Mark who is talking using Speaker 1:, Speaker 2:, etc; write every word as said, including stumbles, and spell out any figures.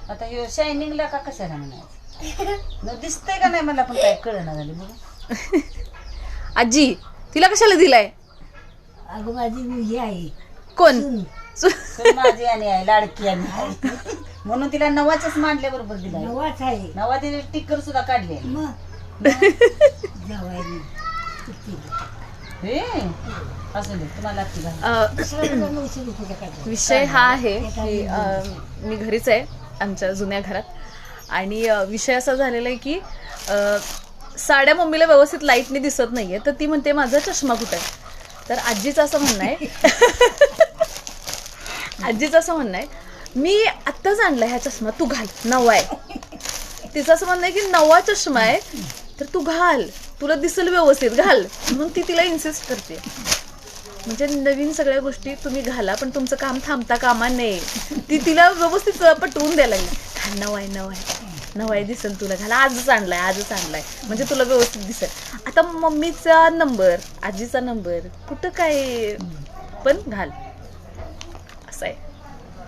Speaker 1: आता हे शायनिंगला का कशाला म्हणायचं न दिसतंय का नाही मला पण काय कळना झाली बघ.
Speaker 2: आजी तिला कशाला दिलाय?
Speaker 3: अगं माझी मुलगी आहे.
Speaker 2: कोण?
Speaker 3: सून.
Speaker 1: सून माझी आणि आहे लाडकी आणि आहे म्हणून तिला नवाच मांडल्या बरोबर दिला
Speaker 3: नवाच आहे.
Speaker 1: नवा तिने टिक्कर सुद्धा काढले.
Speaker 3: मग जावायनी
Speaker 1: हे असू दे तुम्हाला लागते घाल.
Speaker 2: अ,
Speaker 3: नऊशे रुपये काढले.
Speaker 2: विषय हा आहे की अ, मी घरीच आहे आमच्या जुन्या घरात आणि अ, विषय असा झालेला आहे की अ, साड्या मम्मीला व्यवस्थित लाईटने दिसत नाहीये तर ती म्हणते माझा चष्मा कुठे आहे. तर आजीचं असं म्हणणं आहे आजीचं असं म्हणणं आहे मी आत्ताच आणलाय हा चष्मा तू घाल नवा आहे. तिचं असं म्हणणं आहे की नवा चष्मा आहे तर तू घाल तुला दिसेल व्यवस्थित घाल म्हणून ती तिला इन्सिस्ट करते. म्हणजे नवीन सगळ्या गोष्टी तुम्ही घाला पण तुमचं काम थांबता कामा नये. ती तिला व्यवस्थित पटवून द्यायला लागली. घाल नवा आहे नवा आहे नवा आहे दिसेल तुला घाला आजच आणलाय आजच आणलाय म्हणजे तुला व्यवस्थित दिसेल. आता मम्मीचा नंबर आजीचा नंबर कुठं काय पण घाल असं आहे.